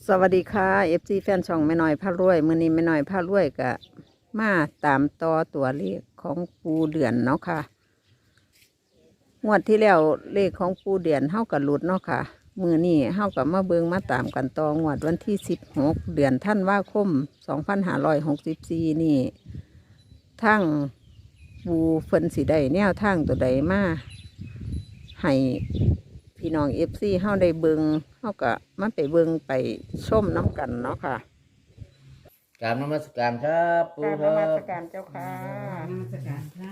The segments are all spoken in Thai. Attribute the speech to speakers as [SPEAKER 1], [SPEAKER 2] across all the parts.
[SPEAKER 1] สวัสดีค่ะ FC แฟนช่องแม่น้อยพารวยมื้อนี้แม่น้อยพารวยก็มาตามต่อตัวเลขของปูเดือนเนาะค่ะงวดที่แล้วเลขของปูเดือนเฮากับหลุดเนาะค่ะมื้อนี้เฮากับมาเบิ่งมาตามกันต่องวดวันที่16เดือนธันวาคม2564นี่ทั้งปูเพิ่นสิได้แนวทางตัวใดมาให้พี่น้องFCเฮาได้เบิงเฮาก็มาไปเบิงไปชมน้ำกันเนาะค่ะ
[SPEAKER 2] กราบนมัสการครับปู่
[SPEAKER 1] กราบ
[SPEAKER 2] คน
[SPEAKER 1] มั
[SPEAKER 2] รั
[SPEAKER 1] ส
[SPEAKER 2] บ
[SPEAKER 1] การเจ้าค่ะ
[SPEAKER 3] นมัสการค่ะ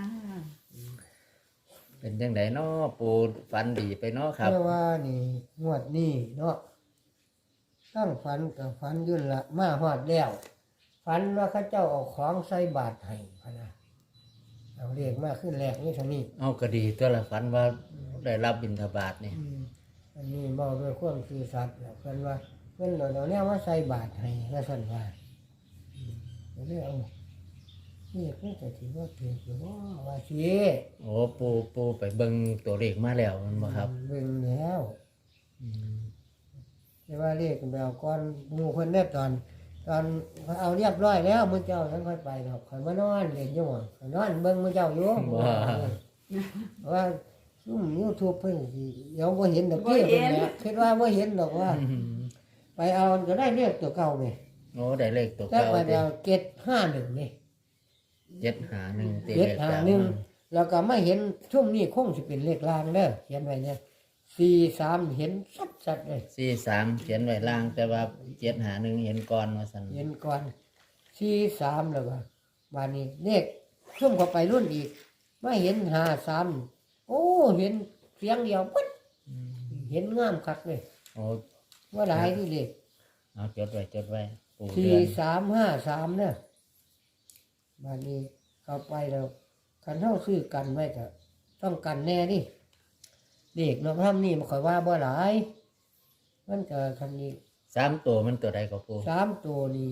[SPEAKER 2] เป็นจังไดเนาะปู่ฝันดีไปเนาะครับ
[SPEAKER 4] เมื่อว่านี่งวดนี้เนาะตั้งฝันกับฝันยุ่นละมาฮอดแล้วฝันว่าเข้าเจ้าเอาของใส่บาตรให้พะนะเอาเรียกมาขึ้นแรกนี่เท่านี้
[SPEAKER 2] เอาก็ดีตัวละฝันว่าได้รับบิณฑบาตนี่
[SPEAKER 4] อันนี้บอกด้วยความซื่อสัตย์แล้วเพิ่นว่าเพิ่นเราเนี่ยว่าใส่บาตรให้ก็สั่นว่าเดี๋ยวเอานี่เพิ่นจะถือว่าถือหรือว่าสิ
[SPEAKER 2] โอ้ปู่ไปเบิ่งตัวเลขมาแล้วแมันบ่ครับ
[SPEAKER 4] เบิ่งแล้วแต่ว่าเรียกแบบก่อนหมู่เพิ่นได้ตอนเอาเรียบร้อยแล้วมื้อเจ้าฉันค่อยไปดอกข่อยมานอนเล่นอยู่ข่อยนอนเบิ่งมื้อเจ้าอยู่ว่าซุ่ม YouTube เพิ่นสิเดี๋ยวบ่เห็นดอกเกี้ยเพิ่นแหละคิดว่าบ่เห็นดอกว่า ไปเอาก็ได้เรียกตัวเก่าแม่
[SPEAKER 2] โอ้ได้เลขตัว
[SPEAKER 4] แต่
[SPEAKER 2] เก่า
[SPEAKER 4] ว่า
[SPEAKER 2] ติ
[SPEAKER 4] เอา751นี่
[SPEAKER 2] 751ติเลขเก่า
[SPEAKER 4] 751แล้วก็มาเห็นช่วงนี้คงสิเป็นเลขล่างเด้อเขียนไว้เนี่ย43เห็นชัดๆเลย
[SPEAKER 2] 43เขียนไว้ล่างแต่ว่า751เห็นก่อนว่าซั่น
[SPEAKER 4] เห็นก่อน43แล้วก็บานนี้เลขซุ่มเข้าไปรุ่นอีกมาเห็น53โอ้เห็นเสียงเดียวปึ๊ดเห็นงามคักเลย
[SPEAKER 2] โอ้
[SPEAKER 4] ว่าหลายที่เลข
[SPEAKER 2] เอาจดไว้ปู่เดือน
[SPEAKER 4] 4353เนี่ยบานนี้เข้าไปแล้วคันเฮาซื้อกันไว้ก็ต้องกันแน่นี่เลขเนาะทำนี่บ่ค่อยว่าบ่หลายมันก็คันนี้
[SPEAKER 2] 3ตัวมันตัวใดก็ปู่
[SPEAKER 4] 3ตัวนี้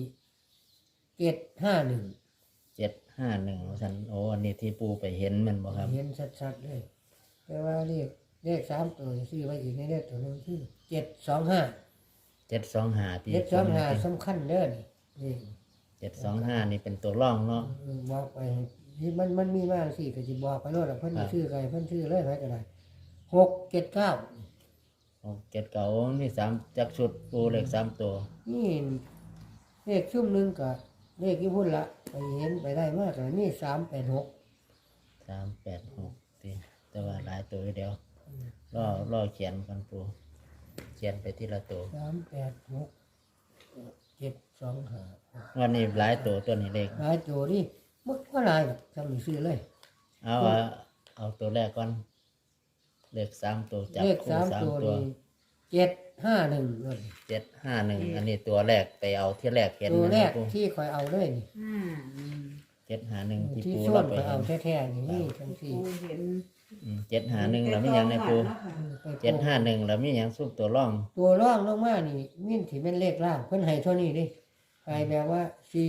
[SPEAKER 4] 751
[SPEAKER 2] 751ว่าซั่นโอ้อันนี้ที่ปู่ไปเห็นแมันบ่ครับ
[SPEAKER 4] เห็นชัดๆเลยแต่ว่าเลข3ตัวซื้อไว้อีกในเลขตัวนึงคือ725
[SPEAKER 2] 725ที่
[SPEAKER 4] 725สำคัญเด้อนี่
[SPEAKER 2] 725นี่เป็นตัวร่องเนาะ
[SPEAKER 4] บอกไปที่มันมีมากสิก็สิบอกไปโลดเพิ่นชื่อใครเพิ่นชื่อเลยไผก็ได้679
[SPEAKER 2] 7นี่3จักชุดปูเลข3ตัว
[SPEAKER 4] นี่เลขซุ่มหนึงก็เลขที่พุ่นละไปเห็นไปได้มากก็นี่386
[SPEAKER 2] 386ติแต่ว่าหลายตัวเดียวรอเขียนกันปูเขียนไปทีละตัว
[SPEAKER 4] 386 725
[SPEAKER 2] วันนี้หลายตัวนี้เลข
[SPEAKER 4] หลายตัวนี่มันก็หลายหรอกทำนี่ซื้อเลย
[SPEAKER 2] เอาตัวแรกก่อนเลข3ตัวจับ
[SPEAKER 4] เลข
[SPEAKER 2] คู่
[SPEAKER 4] 3 ตัว
[SPEAKER 2] 3ตัว
[SPEAKER 4] นี่751เลย
[SPEAKER 2] 751อันนี้ตัวแรกไปเอาที่แรกเห็น
[SPEAKER 4] ตัว
[SPEAKER 2] นะ
[SPEAKER 4] แรก
[SPEAKER 2] ปู
[SPEAKER 4] ที่คอยเอาเลยนี่
[SPEAKER 2] 751ที่
[SPEAKER 4] ที่
[SPEAKER 2] ปู
[SPEAKER 4] ส่ว
[SPEAKER 2] เรา
[SPEAKER 4] น
[SPEAKER 2] ไป
[SPEAKER 4] ไปเอา
[SPEAKER 2] เห็น
[SPEAKER 4] แท้ๆนี่ทั้งสี่
[SPEAKER 3] ปูเห็น
[SPEAKER 2] 751แล้วมีหยังในปู
[SPEAKER 4] ไปโกง
[SPEAKER 2] 751แล้วมีหยังซุปตัวร่อง
[SPEAKER 4] ตัวร่องลงมานี่มิ่นที่เป็นเลขล่างเพิ่นให้เท่านี้ดิให้แบบว่า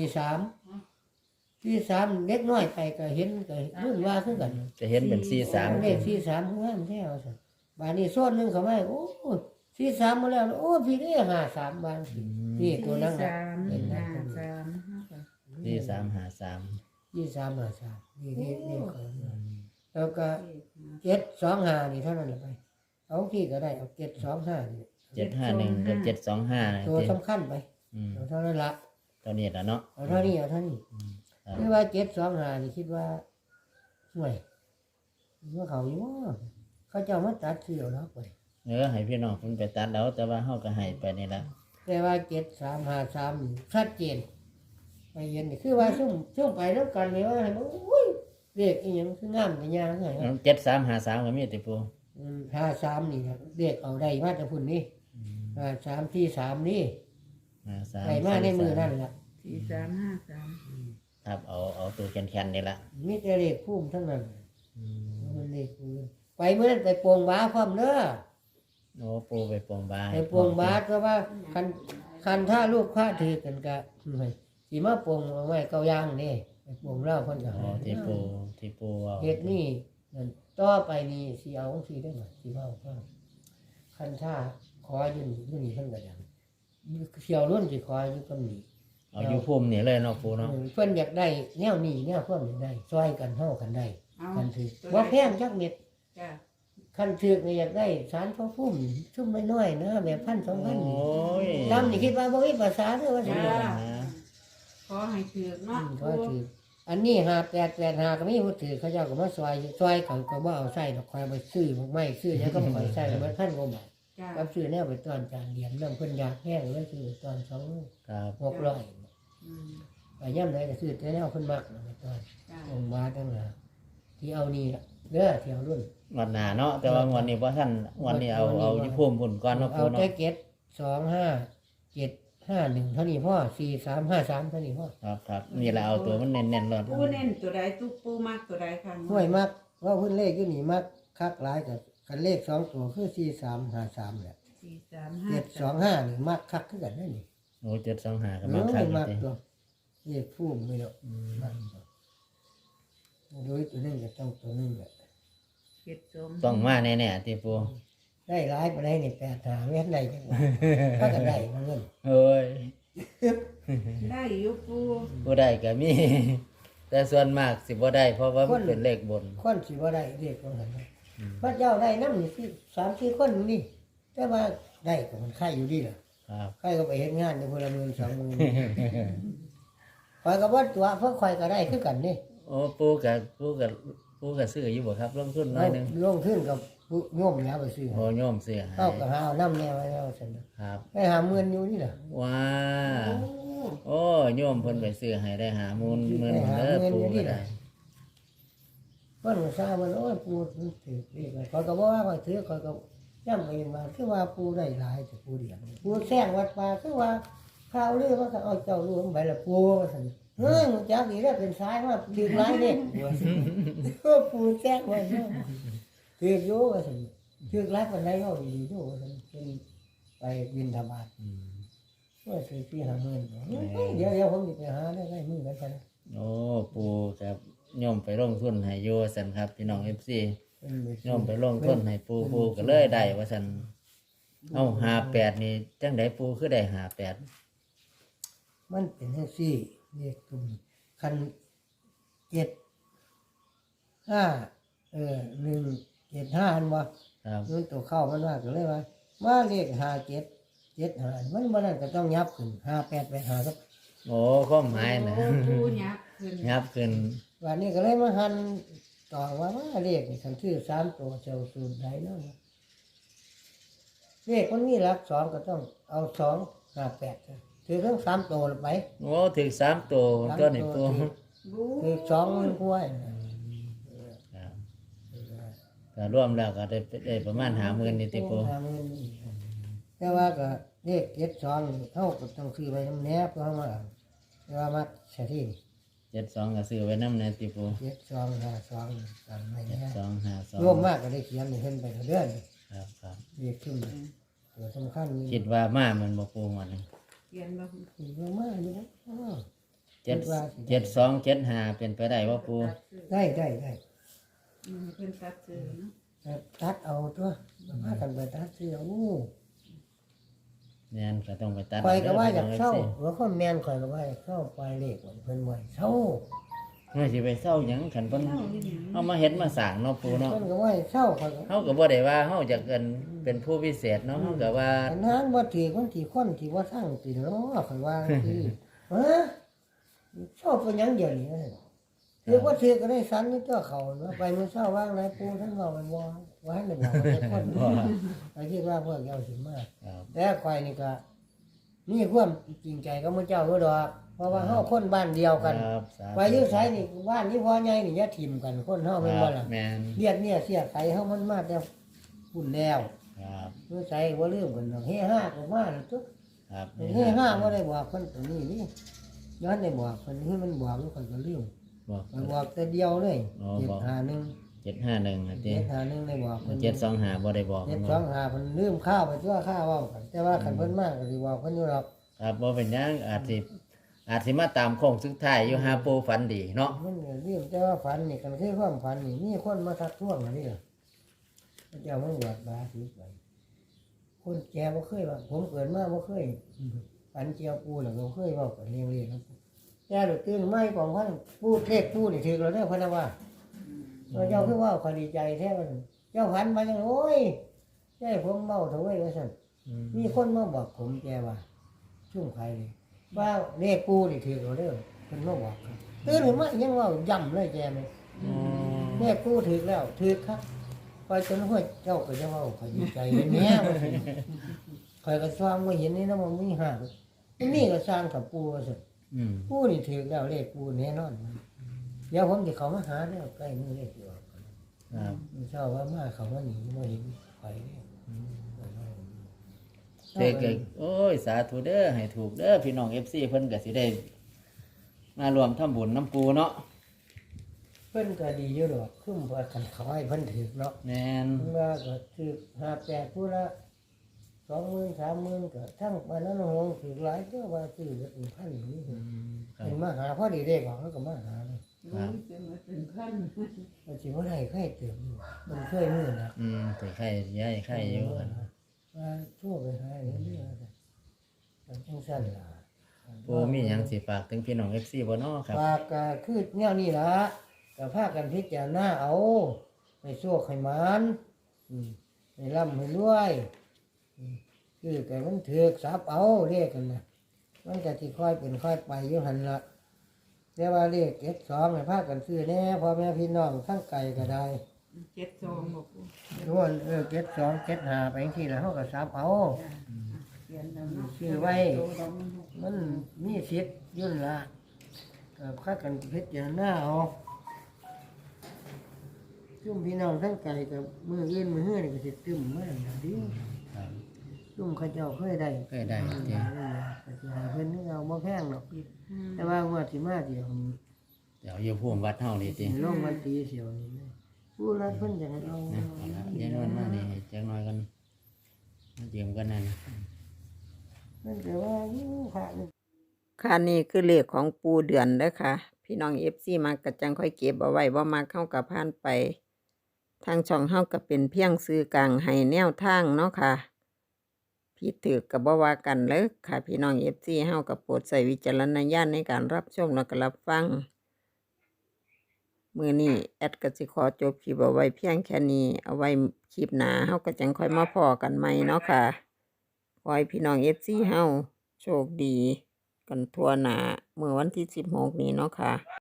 [SPEAKER 4] 43เล็กน้อยไปก็เห็นก็รุ่นว่าคือกัน
[SPEAKER 2] จะเห็นเป็น43
[SPEAKER 4] เลข43คืองามแท้ว่าซั่นบาดนี้โซนหนึงเข้ามาโอ้43มาแล้วโอ้พี่นี่53บาทนี่ตัวนั้นน่ะ
[SPEAKER 3] 3
[SPEAKER 4] เห็นได้
[SPEAKER 2] 4353
[SPEAKER 4] 2353นี่ก็แล้วก็725นี่เท่านั้นแหละไปเอาที่ก็ได้เอา725นี่
[SPEAKER 2] 751กับ725
[SPEAKER 4] ตัวสำคัญไป
[SPEAKER 2] อืม
[SPEAKER 4] เอาเท่านั้นละ
[SPEAKER 2] ตัวนี้แหละเนาะ
[SPEAKER 4] เอาเท่านี้คือว่า725นี่คิดว่าห่วยว่าเขาอยู่ว่าเขาเจ้ามาตัดเสียวแล้วไป
[SPEAKER 2] ให้พี่น้องเพิ่นไปตัดแล้วแต่ว่าเฮาก็ให้ไปนี่ละ
[SPEAKER 4] แต่ว่า7353นี่ชัดเจนไปเห็นนี่คือว่าซุ่มไปแล้วกันเลยว่าโอ้ยเลขอีหยังคืองามแต่ยางไง
[SPEAKER 2] 7353ก็มีติปู
[SPEAKER 4] 53นี่ครับเลขเอาได้มาจากพุ่นนี่53ที่3นี่
[SPEAKER 2] 53
[SPEAKER 4] ไปมาในมือนั่นล่ะ
[SPEAKER 3] 4353
[SPEAKER 2] ครับเอาตัวแข็งๆนี่ละ
[SPEAKER 4] มีแต่เลขพุ่มทั้งนั้นมันเลขพุ่มไปเมื่อนั้นไปปวงบาพร้อมเด้อ
[SPEAKER 2] โอ้ปูไปปลงบา
[SPEAKER 4] ไปปวงบาก็ว่าคันถ้าลูกพระถือกันก็สิมาปวงเอาไว้เก้าย่างนี่ไปปวงเล่าเพิ่นก็
[SPEAKER 2] อ๋อที่ปูเอา
[SPEAKER 4] เฮ็ดนี่นั่นต่อไปนี่สิเอาจังซี่ได้บ่สิเว้าคันถ้าขออยู่นี่เพิ่นก็ดังเที่ยวรุ่นสิคอยอยู่กับนี่
[SPEAKER 2] เอาอยู่ภูมินี่เลยเนาะปูเนาะ
[SPEAKER 4] เพิ่นอยากได้แนวนี้แนวพวกนี้ได้ซอยกันเฮากันได้
[SPEAKER 3] เอา
[SPEAKER 4] กันถือบ่แพงจักเม็ด
[SPEAKER 3] จ้ะ
[SPEAKER 4] คันถือกนี่อยากได้สารพระพุ่มชุ่มน้อยๆนะแบบ1,000 2,000
[SPEAKER 2] โอ้
[SPEAKER 4] นี่
[SPEAKER 2] ย
[SPEAKER 4] ดำนี่คิดว่าบ่มีภาษาเด้อว่าสิ
[SPEAKER 3] จ้า
[SPEAKER 4] เด้อ
[SPEAKER 3] ขอให้ถือเนาะ
[SPEAKER 4] ก็ถืออันนี้5885ก็มีผู้ถือเขาเจ้าก็มาซอยกันก็บ่เอาใส่ดอกคอยไปซื้อไม้ซื้อหยังก็บ่ค่อยใส่ก็มัน1,000กว่าบาท
[SPEAKER 3] จ้า
[SPEAKER 4] กับซื้อแนวไปตอนจานเหรียญนำเพิ่นอยากแห้งเลยซื้อตอน2
[SPEAKER 2] ครับ
[SPEAKER 4] 600
[SPEAKER 3] อืม
[SPEAKER 4] ไปย่ำไหนก็ซื้อแต่แนวเพิ่นมักนะไปตอน
[SPEAKER 3] จ้า
[SPEAKER 4] องค์บาทตั้งหลายที่เอานี่ล่ะเด้อที่เอารุ่น
[SPEAKER 2] งวดหน้าเนาะแต่ว่างวดนี้บ่ทันงวดนี้เอาอยู่ภูมิพุ่นก่อนเนาะ
[SPEAKER 4] เอา
[SPEAKER 2] ปูเนาะ
[SPEAKER 4] แต่725 751เท่านี้พ่อ4353เท่านี้พ่อ
[SPEAKER 2] ครับครับนี่แหละเอาตัวมันเน้นๆเลย
[SPEAKER 3] ปูเน้นตัวใดตุ๊กปูมากตัวใดค่ะ
[SPEAKER 4] ห้วยมักว่าเพิ่นเลขอยู่นี่มักคักหลายกับคันเลข2ตัวคือ4353แหละ
[SPEAKER 3] 435
[SPEAKER 4] 725นี่มักคักคือกันนั่นนี่
[SPEAKER 2] โอ้725ก็
[SPEAKER 4] เอ
[SPEAKER 2] มา
[SPEAKER 4] อ
[SPEAKER 2] คัก
[SPEAKER 4] มัก
[SPEAKER 2] จริง
[SPEAKER 4] ตัวเลขฟูมไม่ดอกมักตัวโดยตัวนึงก็ต้องตัวนึงแหละ
[SPEAKER 2] ต้องมาแน่ๆที่ปู
[SPEAKER 4] ได้หลายปานใดนี่8หาเม็ดได้จังหวะก็ก็ได้มาเงิน
[SPEAKER 2] เฮ้ย
[SPEAKER 3] ได้อยู่ปู
[SPEAKER 2] ผู้ใดก็มี แต่ส่วนมากสิบ่ได้เพราะว่ามันเป็นเลขบน
[SPEAKER 4] คนสิบ่ได้เรียกว่าหั่นนะพระเจ้าได้นำนี่สิ3-4คนนี่แต่ว่าได้ก็มันไข่อยู่ดีล่ะ
[SPEAKER 2] ครับ
[SPEAKER 4] ไข่ก็ไปเฮ็ดงานได้พลเมือง2มื้อข่อยก็บ่ตัวเพราะข่อยก็ได้คือกันนี่
[SPEAKER 2] โอ้ปูกับซื้ออยู่บ่ครับลงทุนน้อยหนึง
[SPEAKER 4] ลงทุนกับผู้โยมแล้วไปซื้อ
[SPEAKER 2] โอ้โยมซื้อให้
[SPEAKER 4] เอาก็หาเอาน้ำแน่ไว้แล้วซั่นน่ะ
[SPEAKER 2] ครับ
[SPEAKER 4] ไปหาเงินอยู่นี่ล่ะ
[SPEAKER 2] ว้าโอ้โยมเพิ่นไปซื้อให้ได้หามูลเงิน
[SPEAKER 4] ได้หา
[SPEAKER 2] เด้อ
[SPEAKER 4] เงิน
[SPEAKER 2] ปู
[SPEAKER 4] อยู่นี่
[SPEAKER 2] ก็
[SPEAKER 4] ล่ะ
[SPEAKER 2] ได้
[SPEAKER 4] เพิ่นก็ทราบว่าโอ้ยปู่ถือเลขข่อยก็บ่ว่าข่อยถือข่อยก็ย้ำไปมาคือว่าปู่ได้หลายแต่ปู่เดียวปู่แซงวัดป่าคือว่าข่าวลือว่าก็เอาเจ้ารู้ไปละปู่ว่าซั่นเฮ้ยมึงจักอีแล้วเป็นสายมาถือหลายเด้ว่าซั่นปู่แซงว่าซั่นถืออยู่ว่าซั่นถือหลายปานใดเอาดีๆอยู่ว่าซั่นเป็นไปบิณฑบาต
[SPEAKER 2] อืม
[SPEAKER 4] ว่าซื้อที่หาเงินเดี๋ยวผมจะไปหาได้มือกันกัน
[SPEAKER 2] โอ้ปูครับโยมไปลงทุนให้อยู่ว่าซั่นครับพี่น้อง FC โยมไปลงทุนให้ปูก็เลยได้ว่าซั่นเอา58นี่จังไดปูคือได้58
[SPEAKER 4] มันเป็นแท็กซี่เรียกตุ่มคัน175อันว่า
[SPEAKER 2] ครับ
[SPEAKER 4] มันตัวเข้ามันว่าก็เลยว่ามาเลข5775มันบ่นั่นก็ต้องยับขึ้น58ไปหาครับ
[SPEAKER 2] โอ้ความหมายนะ
[SPEAKER 3] โอ้ปูยักษ์ขึ้น
[SPEAKER 2] ยับขึ้น
[SPEAKER 4] วันนี้ก็เลยมาหันต่อว่าเลขนี่คันชื่อ3ตัวเจ้าสูตรใดเนาะเลขมันมีหลัก2ก็ต้องเอา258ถือทั้ง3ตัวไป
[SPEAKER 2] โอ้ถึง3ตัวตัวนี่ปู
[SPEAKER 3] บู
[SPEAKER 4] คือ20,000กว่า
[SPEAKER 2] ครับก็รวมแล้วก็ได้ประมาณ50,000นี่ติปู
[SPEAKER 4] แต่ว่าก็เลข72เฮาก็ต้องซื้อไว้นำแนบเพราะว่าแต่ว่ามักใช่ที่
[SPEAKER 2] 72ก็ซื้อไว้นำแน่ติปู
[SPEAKER 4] 7252กันไม่แน่
[SPEAKER 2] 7252
[SPEAKER 4] รวมมากก็ได้เขียนให้เพิ่นไปเรื่อย
[SPEAKER 2] ครับครับ
[SPEAKER 4] เลขขึ้นตัวสำคัญนี่
[SPEAKER 2] คิดว่ามามันบ่ปูมัน
[SPEAKER 3] เขียนบ่
[SPEAKER 4] รวมมากอยู่นะ
[SPEAKER 2] 7275เป็นไปได้บ่ปู
[SPEAKER 4] ได้
[SPEAKER 3] เพิ่นตัดซื้อเนาะ
[SPEAKER 4] แต่ตัดเอาตัวมากันไปตัดเสียว
[SPEAKER 2] แม่นก็ต้องไปตัด
[SPEAKER 4] ข่อยก็ว่าอยาก
[SPEAKER 2] ด้
[SPEAKER 4] เศร้า
[SPEAKER 2] พี่
[SPEAKER 4] หัวคนแม่นข่อยก็ว่าอยากเศร้าปลายเลขเพิ่นว่าเศร้า
[SPEAKER 2] น้องเฮ้ยสิไปเศร้าหยังคันเพิ่นเฮามาเฮ็ดมาสร้างเนาะปูเนาะ
[SPEAKER 4] เพิ่นก็ว่าเศร้าข่อยก็
[SPEAKER 2] เฮาก็บ่ได้ว่าเฮาจะเป็นผู้พิเศษเนาะเฮาก็ว่า
[SPEAKER 4] อันนั้นว่าถือคนที่คนที่ว่าสร้างติเนาะข่อยว่าที่ฮะชอบเป็นหยังเดียวนี่ถือว่าถือก็ได้สันนี่ตัวเขาเนาะไปมื้อเช้าว่างไหนปูท่านบอกมันว่าให้ได้บอกว่าจะคนไอ้ที่ว่าพวกเจ้าสิมา
[SPEAKER 2] ครับ
[SPEAKER 4] แต่ข่อยนี่ก็มีความจริงใจกับมื้อเจ้าอยู่ดอกเพราะว่าเฮาคนบ้านเดียวกัน
[SPEAKER 2] ครับสาธุ
[SPEAKER 4] ไปอยู่ไสนี่บ้านนี้พ่อใหญ่นี่อย่าทิ่มกันคนเฮาแม่นบ่ล่ะ
[SPEAKER 2] แม่น
[SPEAKER 4] เลียดเนี่ยเสียไสเฮามันมาแต่พุ่นแล้ว
[SPEAKER 2] ครับ
[SPEAKER 4] มื้อไสบ่ลืมกันดอกเฮห้าก็มาแล้วตุ๊
[SPEAKER 2] ครับ
[SPEAKER 4] เฮห้าบ่ได้บอกเพิ่นตัวนี้นี่ย้อนได้บอกเพิ่นคือมันบอกมันข่อยก็ลืม
[SPEAKER 2] บอก
[SPEAKER 4] มันบอกแต่เดียวเลย
[SPEAKER 2] อ๋อบอก
[SPEAKER 4] 751
[SPEAKER 2] 751นะติ
[SPEAKER 4] 751ได้บอกเพิ่น
[SPEAKER 2] 725บ่ได้บอกมันบ่
[SPEAKER 4] 725เพิ่นลืมข้าวไปตัวข้าวเว้ากันแต่ว่าคันเพิ่นมาก็สิบอกเพิ่นอยู่ดอก
[SPEAKER 2] ครับบ่เป็นหยังอาจสิมาตามโค้งสุดท้ายอยู่หาปูฝันดีเนาะ
[SPEAKER 4] มันก็ลืมแต่ว่าฝันนี่กันคือความฝันนี่มีคนมาทักท้วงอันนี้ล่ะพระเจ้ามันบวชบาสิไปคคนแก่บ่เคยว่าผมเกิดมาบ่เคยฝันเจียวปูแล้วก็เคยเว้ากันเรียงๆครับแก่ตื่นไม่ของพันปูเลขปูนี่ถือแล้วเด้อพะนะว่าเจ้าคือว่าขอดีใจแท้มันเจ้าฝันมาจังโอ้ยใช่ผมเมาเถอะเว้ยว่าซั่นมีคนมาบอกผมแกว่าชุ่มใครเลยว่าเลขปูนี่ถือแล้วเด้อเพิ่นมาบอกครับตื่นขึ้นมายังเว้าย่ำเลยแกไหมเลขปูถือแล้วถือครับคอยจนหัวเจ้าก็จะเว้าขอดีใจเห็นแหน่คอยก็ซ้อมว่าเห็นนี่นะมันมีหากนี่ก็สร้างกับปูว่าซั่นปูนี่ถือแล้วเลขปูแน่นอนเดี๋ยวผมจะเขามาหาแล้วใกล้มือเลขอยู่
[SPEAKER 2] ครับ
[SPEAKER 4] เช้าว่ามาเขาว่าหนีมาเห็นไฟ
[SPEAKER 2] เด็กก็โอ้ยสาธุเด้อให้ถูกเด้อพี่น้อง FC เพิ่นก็สิได้มารวมทำบุญน้ำปูเนาะ
[SPEAKER 4] เพิ่นก็ดีอยู่ดอกขึ้นว่ากันเขาให้เพิ่นถือเนาะ
[SPEAKER 2] แม่น
[SPEAKER 4] เพิ่นว่าก็ถือ58ผู้ละ20,000 30,000ก็ทั้งบ้านนั้นหงถือหลายเด้อว่าซื้อเป็นพันนี่
[SPEAKER 2] ครับ
[SPEAKER 4] เห็นมาหาพอดีเด็กของเขาก็มาหาเลย
[SPEAKER 3] รู้จะมาถึงขั้น
[SPEAKER 4] ว่าสิบ่ได้ใครเติมอยู่มันเคยมือนะ
[SPEAKER 2] ถือไข่ย้ายไข่อยู่กัน
[SPEAKER 4] ว่าทั่วไปหาเรื่อยๆมันจังซั่นล่ะ
[SPEAKER 2] ปูมีหยังสิฝากถึงพี่น้อง FC บ่เนาะครับ
[SPEAKER 4] ฝากก็คือแนวนี้ล่ะก็พากันพิจารณาเอาให้โชคให้หมานให้ร่ำให้รวยคือแต่มันถือกทรัพย์เอาเรียกกันนะมันก็สิค่อยเป็นค่อยไปอยู่หั่นล่ะแต่ว่าเลข72ให้พากันซื้อแน่พ่อแม่พี่น้องทั้งไกลก็ได้
[SPEAKER 3] 72บอกปู
[SPEAKER 4] ล้วน72 75ไปจังซี่แล้วเฮาก็ทรัพย์เอา
[SPEAKER 3] เขียนแล้วเนาะ
[SPEAKER 4] ซื้อไว้ มันมีสิทธิ์อยุ่นนละก็พากันพิจารณาเอาซุ่มพี่น้องทั้งไกลกับมือยื่นมือเฮือนี่ก็สิตึมมากดิ
[SPEAKER 2] ครับ
[SPEAKER 4] ซุ่มเขาเจ้าเคยได้
[SPEAKER 2] เคยได้จริง
[SPEAKER 4] ก็สิหาเพิ่นนี่เอาบ่แพงหรอกแต่ว่างวดสิมาเดี๋ยวนี้
[SPEAKER 2] เดี๋ยวอยู่ภูมิวัดเฮานี่ติ
[SPEAKER 4] ลงวันตีเสียวนี้นะผู้รัดเพิ่นจะให้เอา
[SPEAKER 2] นะเอาละยายนวลมานี่ให้จักหน่อยกันมาเตรียมกันนั่น
[SPEAKER 4] เพิ่นก็ว่าอยู่ค่ะนี่
[SPEAKER 1] ค่ะนี่คือเลขของปูเดือนเด้อค่ะ พี่น้อง FC มากระจังค่อยเก็บเอาไว้บ่มาเข้ากับผ่านไป ทางช่องเฮาก็เป็นเพียงซื้อกลางให้แนวทางเนาะค่ะผิดถูกก็บ่ว่ากันเลยค่ะ พี่น้อง FC เฮาก็โปรดใช้วิจารณญาณในการรับชมและก็รับฟัง มื้อนี้แอดก็สิขอจบคลิปเอาไว้เพียงแค่นี้ เอาไว้คลิปหน้าเฮาก็จังค่อยมาพ้อกันใหม่เนาะค่ะขอให้พี่น้อง FC เฮาโชคดีกันทั่วหน้าเมื่อวันที่16นี้เนาะค่ะ